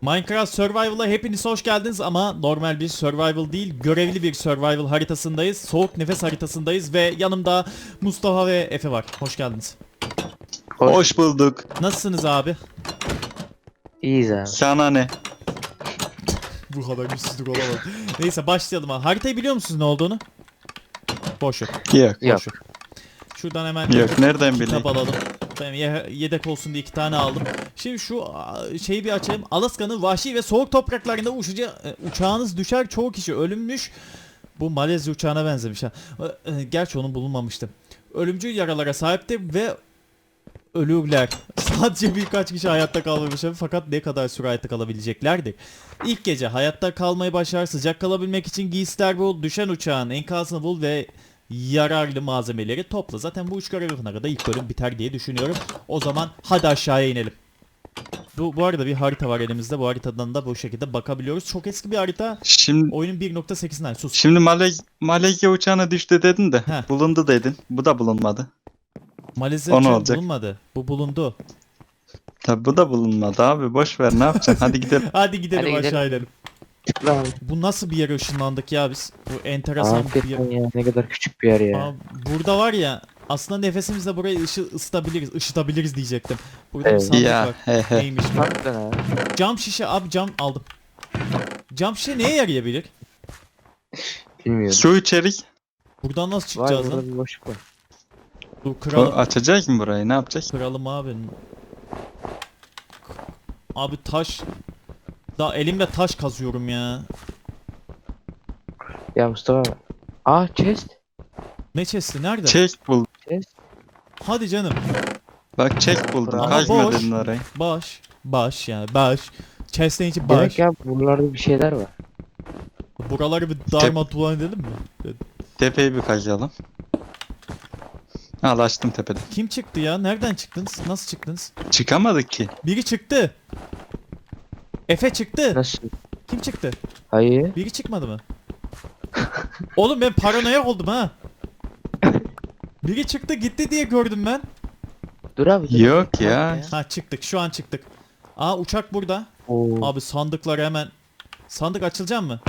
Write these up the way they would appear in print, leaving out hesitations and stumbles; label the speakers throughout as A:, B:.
A: Minecraft Survival'a hepiniz hoş geldiniz ama normal bir survival değil, görevli bir survival haritasındayız. Soğuk nefes haritasındayız ve yanımda Mustafa ve Efe var. Hoş geldiniz.
B: Hoş bulduk.
A: Nasılsınız abi?
C: İyiyiz abi.
B: Sana ne?
A: Bu kadar güçsüzlük olamaz. Neyse başlayalım abi. Haritayı biliyor musunuz ne olduğunu? Boş ver.
B: Yok.
C: Yok.
A: Boş ver. Şuradan hemen
B: Yok, nereden
A: kitap
B: bileyim?
A: alalım. Benim yedek olsun diye 2 tane aldım. Şimdi şu şeyi bir açayım. Alaska'nın vahşi ve soğuk topraklarında uçağınız düşer, çoğu kişi ölünmüş. Bu Malezya uçağına benzemiş ha. Gerçi onun bulunmamıştı. Ölümcül yaralara sahiptir ve ölürler. Sadece birkaç kişi hayatta kalmamış fakat ne kadar süre hayatta kalabileceklerdir. İlk gece hayatta kalmayı başar, sıcak kalabilmek için giysiler bul, düşen uçağın enkazını bul ve yararlı malzemeleri topla. Zaten bu üç görev yapana kadar ilk bölüm biter diye düşünüyorum. O zaman hadi aşağıya inelim. Bu arada bir harita var elimizde. Bu haritadan da bu şekilde bakabiliyoruz. Çok eski bir harita.
B: Şimdi
A: Oyunun 1.8'inden sus.
B: şimdi Malezya uçağına düştü dedin de
A: Heh.
B: bulundu dedin. Bu da bulunmadı.
A: Malezya
B: O ne
A: uçağı
B: olacak?
A: bulunmadı. Bu bulundu.
B: Tabi bu da bulunmadı abi. Boş ver, ne yapacaksın? Hadi gidelim.
A: Hadi gidelim
C: Hadi gidelim.
A: aşağı inelim.
C: Tıkla abi.
A: Bu nasıl bir yere ışınlandık ya biz? Bu enteresan bir yer.
C: Hakikaten ya ne kadar küçük bir yer ya.
A: Aa, burada var ya aslında nefesimizle burayı ısıtabiliriz diyecektim. Burada bir
C: Evet.
A: sandık
B: Ya
A: var.
B: he he.
A: Neymiş bu?
C: Harbiden abi.
A: Cam şişe abi, cam aldım. Cam şişe neye yarayabilir?
C: Bilmiyorum.
B: Su içerik.
A: Buradan nasıl
C: Var
A: çıkacağız
C: burada
A: lan?
C: bir boşluk var.
A: Dur
B: O
A: kıralım.
B: açacak mı burayı? Ne yapacak?
A: Kıralım abi. Abi taş. Daha elimle taş kazıyorum ya.
C: Ya Mustafa abi. Aa chest.
A: Ne chest'i nerede?
B: Çek buldum.
C: Chest.
A: Hadi canım.
B: Bak, çek buldum.
C: Ama
B: Kaçma
A: boş.
B: dedin orayı.
A: Baş yani baş. Chest'in içi
C: Demek
A: baş.
C: ya buralarda bir şeyler var.
A: Buraları bir darmadağın edelim mi?
B: Tepeyi bir kazıyalım. Al, açtım tepeden.
A: Kim çıktı ya? Nereden çıktınız? Nasıl çıktınız?
B: Çıkamadık ki.
A: Biri çıktı. Efe çıktı.
C: Nasıl?
A: Kim çıktı?
C: Hayır.
A: Biri çıkmadı mı? Oğlum ben paranoyak oldum ha. Biri çıktı gitti diye gördüm ben.
C: Dur abi. Dur.
B: Yok ya.
A: Ha çıktık, şu an çıktık. Aa uçak burada.
C: Oo.
A: Abi sandıkları hemen. Sandık açılacak mı?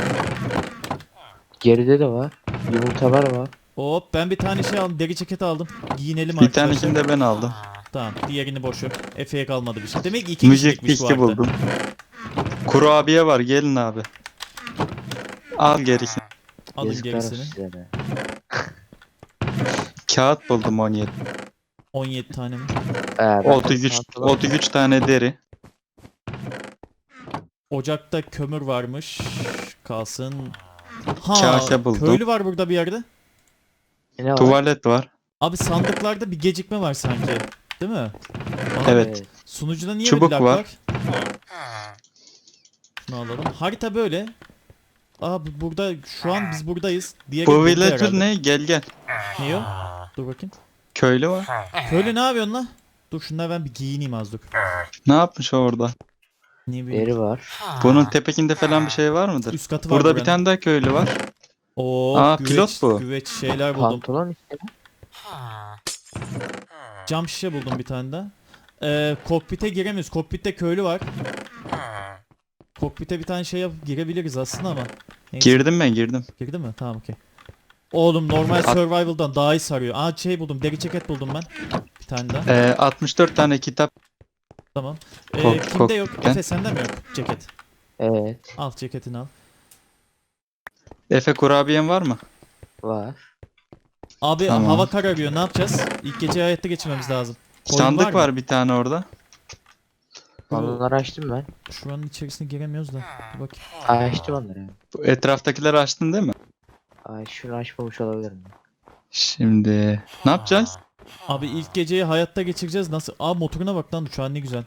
C: Geride de var. Yumurtalar var.
A: Hop ben bir tane şey aldım. Deri ceket aldım. Giyinelim
B: Bir
A: arkadaşlar.
B: tanesini de ben aldım.
A: Tamam diğerini boş ver. Efe'ye kalmadı bir şey. Demek ki iki
B: Müzik
A: kişilikmiş bu
B: diski
A: harita.
B: buldum. Kurabiye var, gelin abi. Al gerisini.
A: Alın
C: Yazıklar olsun
A: gerisini.
C: size de.
B: Kağıt buldum 17.
A: 17 tane mi?
C: Ben
B: 33,
C: pantolon-
B: 33 tane deri.
A: Ocakta kömür varmış. Kalsın. Ha,
B: Kase buldum.
A: köylü var burada bir yerde.
C: Ne var?
B: Tuvalet var.
A: Abi sandıklarda bir gecikme var sanki. Değil mi? Bana
B: Evet.
A: Sunucuda niye
B: Çubuk
A: böyle lag
B: var.
A: Şunu alalım. Harita böyle. Abi burada şu an biz buradayız. Diğeri
B: Bu
A: burada
B: villager
A: herhalde.
B: ne? Gel gel.
A: Ne o? Dur bakayım.
B: Köylü var.
A: Köylü ne yapıyorsun lan? Dur şunları ben bir giyineyim az dur.
B: Ne yapmış o orada?
A: Niye böyle?
C: Deri var.
B: Bunun tepekinde falan bir şey var mıdır?
A: Üst katı var
B: Burada bir
A: buranın.
B: tane daha köylü var.
A: Oo,
B: Aa,
A: güveç,
B: pilot bu.
A: güveç şeyler buldum.
C: Pantolon işte.
A: Cam şişe buldum bir tane daha. Kokpite giremiyoruz. Kokpitte köylü var. Kokpite bir tane şey yapıp girebiliriz aslında ama. Neyse.
B: Girdim ben, girdim.
A: Girdi mi? Tamam okey. Oğlum normal survival'dan daha iyi sarıyor. Aa şey buldum. Deri ceket buldum ben. Bir tane daha.
B: 64 tane kitap.
A: Tamam.
B: Kok-
A: Kimde yok?
B: kokpitten.
A: Efe sende mi yok ceket?
C: Evet.
A: Al ceketini al.
B: Efe, kurabiyen var mı?
C: Var.
A: Abi
B: Tamam.
A: hava kararıyor. Ne yapacağız? İlk gece hayatta geçirmemiz lazım. Koyun
B: Sandık
A: mı?
B: var bir tane orada.
C: Onları açtım ben.
A: Şuranın içerisine giremiyoruz da. Dur bakayım.
C: Açtım onları.
B: Bu etraftakileri açtın değil mi?
C: Ay şunu açmamış olabilirim.
B: Şimdi ne yapacağız?
A: Abi ilk geceyi hayatta geçireceğiz. Nasıl? Aa motoruna bak lan uçağın ne güzel.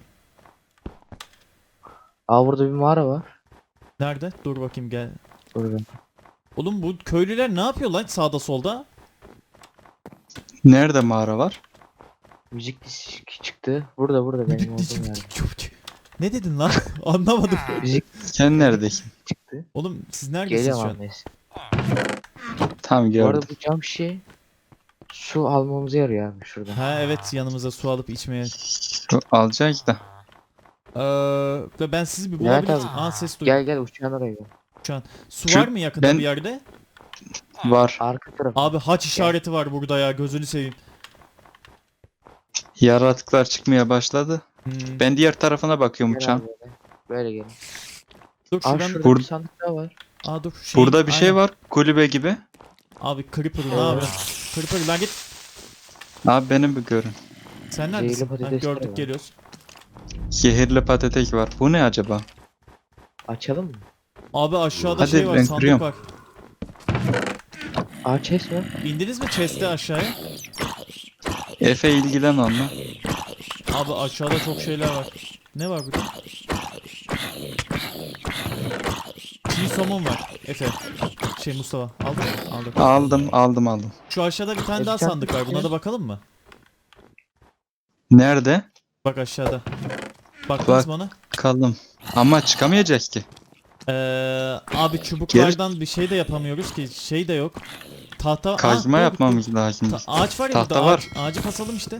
C: Aa burada bir mağara var.
A: Nerede? Dur bakayım gel.
C: Burada.
A: Oğlum bu köylüler ne yapıyor lan sağda solda?
B: Nerede mağara var?
C: Müzik diski çıktı. Burada benim olduğum yerde.
A: Ne dedin lan? Anlamadım.
C: Müzik
B: Sen neredesin?
C: çıktı.
A: Oğlum siz neredesiniz
C: Geliyorum
A: şu an?
C: abi neyse.
B: Tam
C: Bu
B: gördüm.
C: arada bu cam şişe su almamıza yarıyor abi şuradan.
A: Ha evet yanımıza su alıp içmeye.
B: Alacağız da.
A: Ve ben sizi bir
C: Levent
A: bulabilirim.
C: abi.
A: Aa, ses duydum.
C: Gel uçağın oraya gel.
A: Şu an. Su
B: Şu-
A: var mı yakında
B: ben-
A: bir yerde?
B: Var.
C: Arka taraf.
A: Abi haç işareti var burada ya, gözünü seveyim.
B: Yaratıklar çıkmaya başladı.
A: Hmm.
B: Ben diğer tarafına bakıyorum
C: Gel
B: uçağın.
C: abi böyle. Böyle gelin.
A: Dur
C: Abi
A: şuradan.
C: şurada
B: Bur-
C: bir sandık daha var.
A: Aa dur.
B: Burada bir şey
A: aynen.
B: var. Kulübe gibi.
A: Abi Creeper ne yapıyorsun? Creeper lan git.
B: Abi benim bir görün.
A: Sen
C: Zehirli
A: neredesin? Ha,
C: patatesler
A: gördük
C: var.
A: geliyoruz.
B: Zehirli patates var. Bu ne acaba?
C: Açalım mı?
A: Abi aşağıda
B: Hadi,
A: şey var,
B: ben
A: sandık
B: kırıyorum.
A: var.
C: Aa chest var.
A: İndiniz mi chest'e aşağıya?
B: Efe ilgilen onunla.
A: Abi aşağıda çok şeyler var. Ne var burada? Çiğ somon var. Efe. Şey Mustafa. Aldın mı? Aldım.
B: Aldım.
A: Şu aşağıda bir tane
C: Bir
A: daha
C: tane
A: sandık var. Buna da bakalım mı?
B: Nerede?
A: Bak aşağıda. Baktınız
B: Bak.
A: mı ona?
B: Bakalım. Ama çıkamayacak ki.
A: Abi çubuklardan bir şey de yapamıyoruz ki. Şey de yok. Tahta.
B: Kazma
A: dur,
B: yapmamız lazım.
A: Ağaç var ya
B: Tahta
A: burada.
B: var.
A: Ağacı kasalım işte.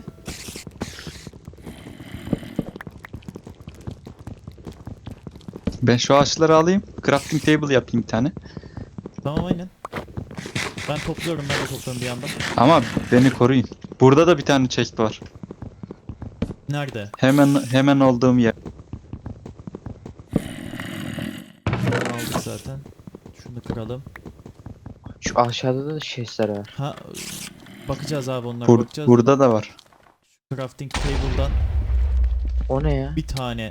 B: Ben şu ağaçları alayım. Crafting table yapayım bir tane.
A: Tamam aynen. Ben topluyorum, ben de topluyorum bir yandan.
B: Ama beni koruyun. Burada da bir tane chest var.
A: Nerede?
B: Hemen olduğum yer.
A: Aldık zaten. Şunu kıralım.
C: Şu aşağıda da chestler var.
A: Ha, bakacağız abi, onlara
B: Bur-
A: bakacağız.
B: burada da var.
A: Crafting table'dan
C: O ne ya?
A: bir tane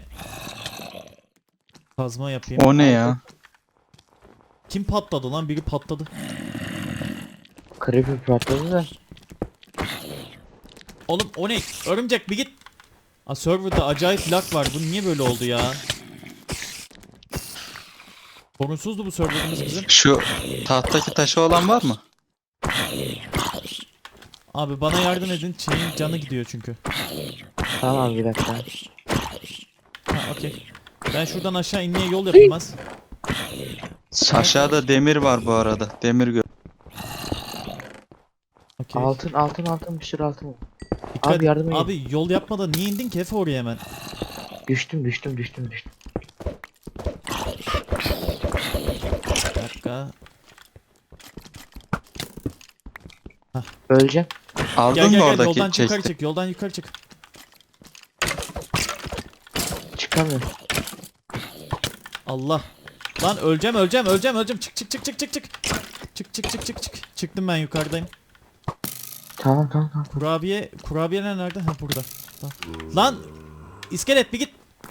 A: kazma yapayım.
B: O ne ya?
A: Kim patladı lan? Biri patladı.
C: Creeper patladı da.
A: Oğlum o ne? Örümcek bir git. Aa, serverda acayip lag var. Bu niye böyle oldu ya? Sorunsuzdu bu serverımız bizim.
B: Şu tahttaki taşı olan var mı?
A: Abi bana yardım edin. Şeyin canı gidiyor çünkü.
C: Tamam bir dakika.
A: Ha okey. Ben şuradan aşağı inmeye yol yapayım az.
B: Aşağıda demir var bu arada. Demir gör.
A: Okey.
C: Altın bir sürü altın var.
A: Dikkat-
C: Abi yardım edin.
A: Abi yol yapmadan niye indin ki Efe oraya hemen?
C: Düştüm.
A: Bir dakika.
C: Öleceğim.
B: Aldın
A: Gel
B: mı
A: gel gel,
B: oradaki
A: yoldan yukarı
B: chest'i?
A: çık, yoldan yukarı çık.
C: Çıkamıyorum.
A: Allah. Lan öleceğim. Çık. Çık. Çıktım, ben yukarıdayım.
C: Tamam.
A: Kurabiyeler nerede? Ha burada. Tamam. Lan iskelet bir git.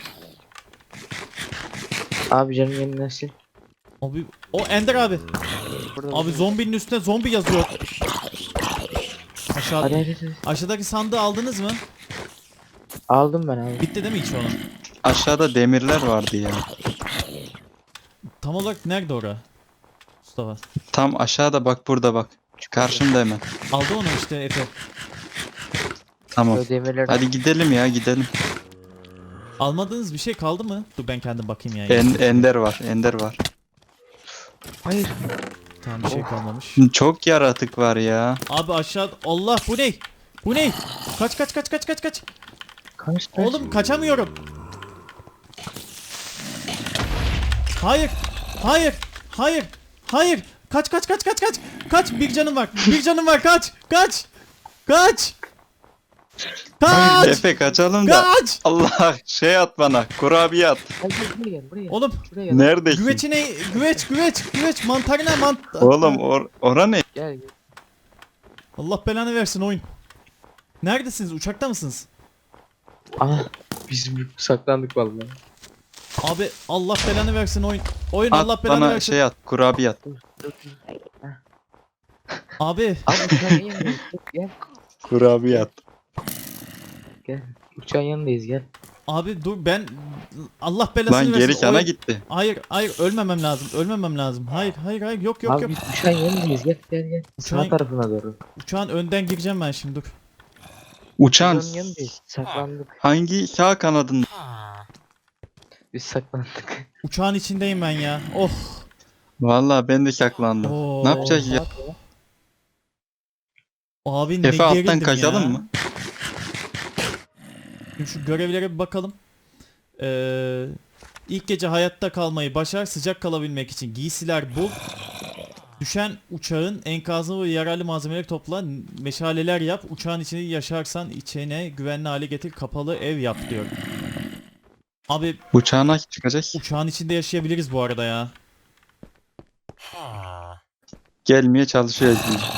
C: Abi canım yeni nesil.
A: Abi o Ender abi.
C: Burada.
A: Abi zombinin üstüne zombi yazıyor. Aşağı,
C: Hadi.
A: aşağıdaki sandığı aldınız mı?
C: Aldım ben.
A: Bitti değil mi hiç onu?
B: Aşağıda demirler vardı ya.
A: Tam olarak nerede ora? Mustafa.
B: Tam aşağıda bak, burada bak. Karşımda hemen.
A: Aldı onu işte Efe.
B: Tamam.
C: Böyle demirler.
B: Hadi gidelim ya, gidelim.
A: Almadığınız bir şey kaldı mı? Dur ben kendim bakayım yani.
B: Ender var.
C: Hayır.
A: Tamam, bir şey kalmamış.
B: Çok yaratık var ya.
A: Abi aşağı, Allah bu ne? Bu ne? Kaç.
C: Kaç.
A: Oğlum kaçamıyorum. Hayır. Kaç. Kaç, bir canım var. Kaç.
B: Efe kaçalım da.
A: Kaç.
B: Allah, şey at bana. Kurabiye at.
C: Hadi buraya gel.
A: Oğlum
C: Şuraya gel.
B: Neredesin?
A: güveç mantarına
B: Oğlum ora ne?
C: Gel.
A: Allah belanı versin oyun. Neredesiniz? Uçakta mısınız?
C: Aha. Biz saklandık vallahi.
A: Abi Allah belanı versin oyun. Oyun
B: At
A: Allah belanı
B: bana
A: versin.
B: şey at. Kurabiye at.
C: Dur.
A: Abi
C: Abi uçağın yanındayız. Gel.
B: Kurabiye at.
C: Uçağın yanındayız gel.
A: abi dur, ben Allah belasını
B: Lan
A: versin.
B: geri kana
A: Oyun-
B: gitti.
A: Hayır ölmemem lazım. Hayır yok.
C: Abi biz uçağın yanındayız gel.
A: Uçağın-
C: Sağ tarafına doğru.
A: Uçağın önden gireceğim ben şimdi, dur.
B: Uçan
C: Uçağın yanındayız. Saklandık.
B: hangi sağ kanadında?
C: Biz saklandık.
A: Uçağın içindeyim ben ya. Oh.
B: Vallahi ben de saklandım.
A: Oo.
B: Ne yapacağız ya?
A: Abi ne
B: Efe alttan
A: gerildim
B: kaçalım
A: ya.
B: mı?
A: Şimdi şu görevlere bir bakalım. İlk gece hayatta kalmayı başar. Sıcak kalabilmek için giysiler bul. Düşen uçağın enkazını ve yararlı malzemeleri topla. Meşaleler yap. Uçağın içinde yaşarsan içine güvenli hale getir. Kapalı ev yap diyor. Abi
B: Uçağına çıkacak.
A: uçağın içinde yaşayabiliriz bu arada ya.
B: Gelmeye çalışıyor.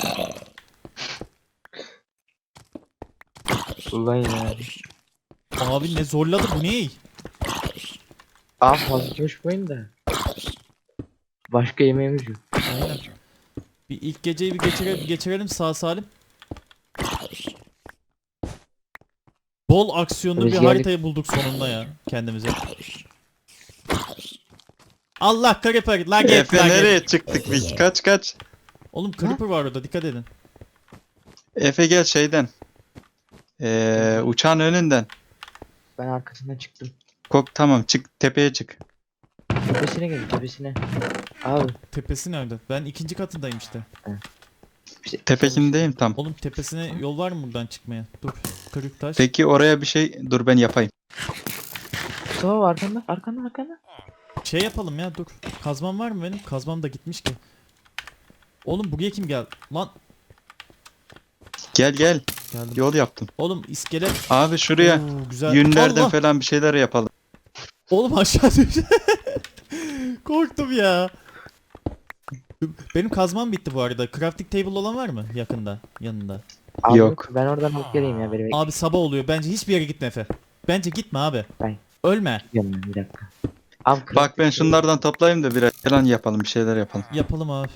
C: Ulan ya.
A: Abi ne zorladı bu ne?
C: Abi fazla coşmayın da. Başka yemeğimiz yok.
A: Aynen. Bir ilk geceyi bir geçirelim sağ salim. Bol aksiyonlu bir
C: Rüzgarlık-
A: haritayı bulduk sonunda ya kendimize. Allah Creeper la git
B: Efe
A: la git.
B: nereye çıktık biz? Kaç.
A: Oğlum Creeper var orada dikkat edin.
B: Efe gel şeyden. Uçağın önünden.
C: Ben arkasından çıktım.
B: Tamam çık tepeye çık.
C: Tepesine gelin tepesine. Abi.
A: Tepesi nerede? Ben ikinci katındayım işte.
B: Tepekindeyim tam.
A: Oğlum tepesine yol var mı buradan çıkmaya? Dur. Kırık taş.
B: Peki oraya bir şey dur ben yapayım.
C: Mustafa var arkanda.
A: Şey yapalım ya dur. Kazmam var mı benim? Kazmam da gitmiş ki. Oğlum buraya kim geldi? Lan
B: Gel
A: geldim.
B: yol yaptım.
A: Oğlum iskelet.
B: Abi şuraya
A: Oo, güzel.
B: yünlerden
A: Allah!
B: falan bir şeyler yapalım.
A: Oğlum aşağı düştü. Korktum ya. Benim kazmam bitti bu arada. Crafting table olan var mı yakında? Yanında.
C: Abi
B: Yok.
C: Ben oradan alıp geleyim ya. Beni
A: Abi sabah oluyor. Bence hiçbir yere gitme Efe. Bence gitme abi.
C: Ben-
A: Ölme.
C: bekliyorum bir dakika. Abi
B: Bak ben şunlardan toplayayım da biraz falan yapalım bir şeyler yapalım.
A: Yapalım abi.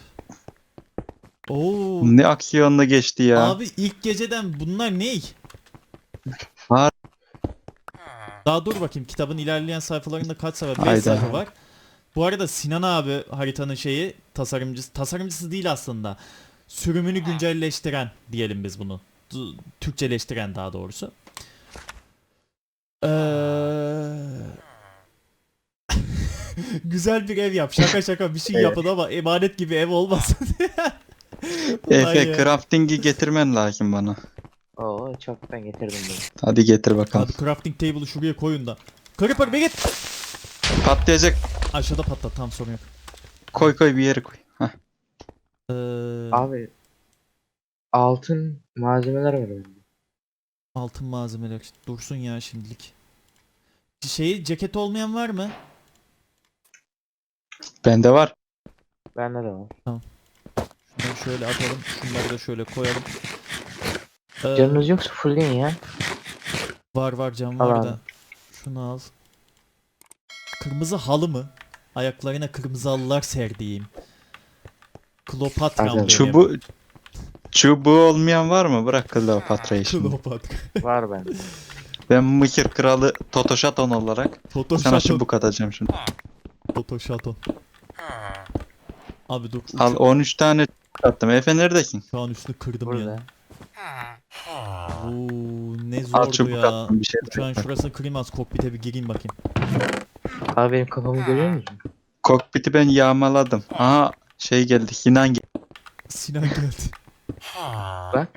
A: Oo.
B: Ne aksiyonla geçti ya.
A: Abi ilk geceden bunlar ne?
B: Var.
A: Daha dur bakayım kitabın ilerleyen sayfalarında kaç sayfa? 5
B: Hayda.
A: sayfa var. Bu arada Sinan abi haritanın şeyi tasarımcısı değil aslında. Sürümünü güncelleştiren diyelim biz bunu. Türkçeleştiren daha doğrusu. Güzel bir ev yap. Şaka bir şey
B: Evet.
A: yapın ama emanet gibi ev olmasın.
B: Efe
A: ya.
B: crafting'i getirmen lazım bana.
C: Oo çoktan getirdim bunu.
B: Hadi getir bakalım.
A: Abi crafting table'ı şuraya koyun da. Creeper bir git.
B: Patlayacak.
A: Aşağıda patlat tam sorun yok.
B: Koy bir yere koy. Heh.
C: Abi altın malzemeler var orada.
A: Altın malzemeler dursun ya şimdilik. Şeyi ceket olmayan var mı?
B: Bende var.
C: Bende de var.
A: Şunları şöyle atalım. Şunları da şöyle koyalım.
C: Canınız yoksa fullleyin ya.
A: Var cam
C: Al
A: var
C: abi.
A: da. Şunu al. Kırmızı halı mı? Ayaklarına kırmızı halılar serdiğim. Kleopatra
C: Abi,
A: benim.
B: Çubuğu olmayan var mı? Bırak Kleopatra'yı şimdi.
A: Kleopatra.
C: Var bende.
B: Ben Mısır kralı Totoşaton olarak sana
A: Photoshop.
B: çubuk atacağım şimdi.
A: Photoshop. Abi dur.
B: Al 13 tane çubuk attım. Efe neredesin?
A: Şu an üstünü kırdım
C: Burada.
A: ya. Oo, ne
B: Al
A: zordu
B: çubuk
A: ya.
B: attım bir şey.
A: Uçağın şurasını kırayım az kokpite bir gireyim bakayım.
C: Abi benim kafamı görüyor musun?
B: Kokpiti ben yağmaladım. Aha şey geldi. Sinan geldi.
A: Sinan geldi.
C: Bak.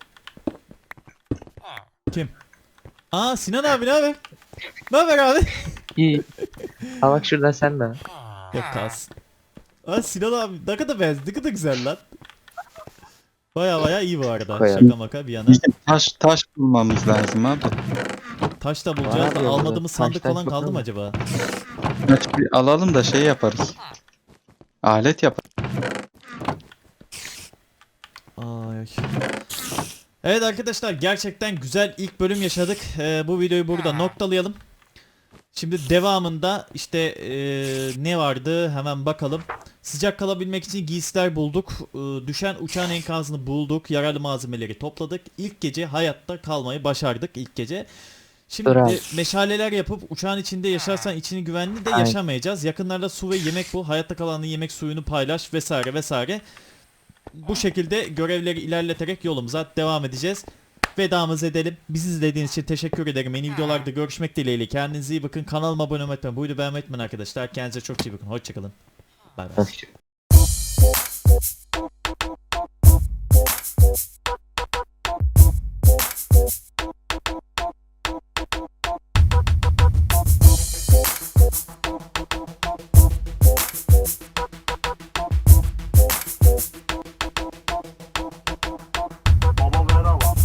A: Kim? Aa Sinan abi ne haber? Ne haber abi?
C: İyi. Ha bak şuradan sen de.
A: Yok kalsın. Aa Sinan abi ne kadar benziyor, ne kadar güzel lan. Baya iyi bu arada.
C: Koyalım.
A: Şaka maka bir yana.
B: Bizim taş bulmamız lazım abi.
A: Taş da bulacağız da
C: Abi,
A: almadığımız
C: taş
A: sandık falan
C: çok
A: kaldı mı
C: ama.
A: acaba?
B: Taş bir alalım da şey yaparız. Alet yaparız.
A: Ay. Evet arkadaşlar gerçekten güzel ilk bölüm yaşadık. Bu videoyu burada noktalayalım. Şimdi devamında işte ne vardı hemen bakalım. Sıcak kalabilmek için giysiler bulduk. Düşen uçağın enkazını bulduk. Yararlı malzemeleri topladık. İlk gece hayatta kalmayı başardık ilk gece. Şimdi
C: Bravo.
A: meşaleler yapıp uçağın içinde yaşarsan içini güvenli de
C: Aynen.
A: yaşamayacağız. Yakınlarda su ve yemek bul. Hayatta kalanın yemek suyunu paylaş vesaire. Bu şekilde görevleri ilerleterek yolumuza devam edeceğiz. Vedamızı edelim. Bizi izlediğiniz için teşekkür ederim. Yeni videolarda görüşmek dileğiyle. Kendinize iyi bakın. Kanalıma abone olmayı unutmayın. Bu videoyu beğenmeyi unutmayın arkadaşlar. Kendinize çok iyi bakın. Hoşçakalın. Bay bay.
C: Hoşçakalın.